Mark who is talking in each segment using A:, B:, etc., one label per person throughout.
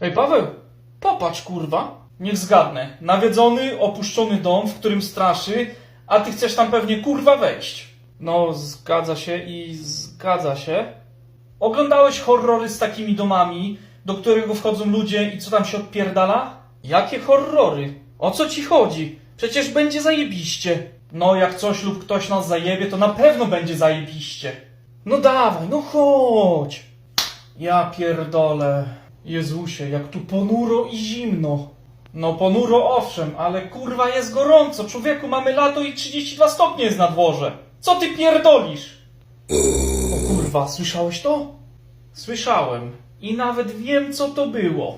A: Ej, Paweł, popatrz, kurwa. Niech zgadnę. Nawiedzony, opuszczony dom, w którym straszy, a ty chcesz tam pewnie, kurwa, wejść. No, zgadza się i zgadza się. Oglądałeś horrory z takimi domami, do którego wchodzą ludzie i co tam się odpierdala? Jakie horrory? O co ci chodzi? Przecież będzie zajebiście. No, jak coś lub ktoś nas zajebie, to na pewno będzie zajebiście. No dawaj, no chodź. Ja pierdolę. Jezusie, jak tu ponuro i zimno. No ponuro owszem, ale kurwa jest gorąco. Człowieku, mamy lato i 32 stopnie jest na dworze. Co ty pierdolisz? O kurwa, słyszałeś to? Słyszałem. I nawet wiem, co to było.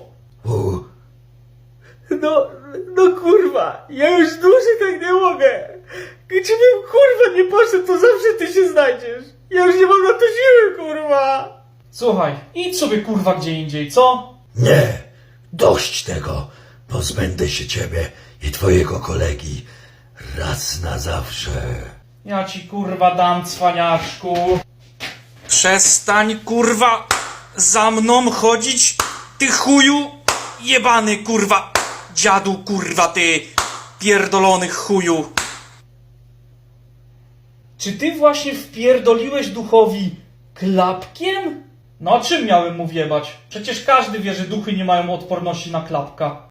B: No kurwa, ja już dłużej tak nie mogę. Gdybym kurwa nie poszedł, to zawsze ty się znajdziesz. Ja już nie mam na to siły, kurwa.
A: Słuchaj, idź sobie kurwa gdzie indziej, co?
C: Nie, dość tego. Pozbędę się ciebie i twojego kolegi raz na zawsze.
A: Ja ci kurwa dam, cwaniaszku. Przestań kurwa za mną chodzić, ty chuju jebany kurwa. Dziadu kurwa ty pierdolony chuju. Czy ty właśnie wpierdoliłeś duchowi klapkiem? No a czym miałem mu wjebać? Przecież każdy wie, że duchy nie mają odporności na klapka.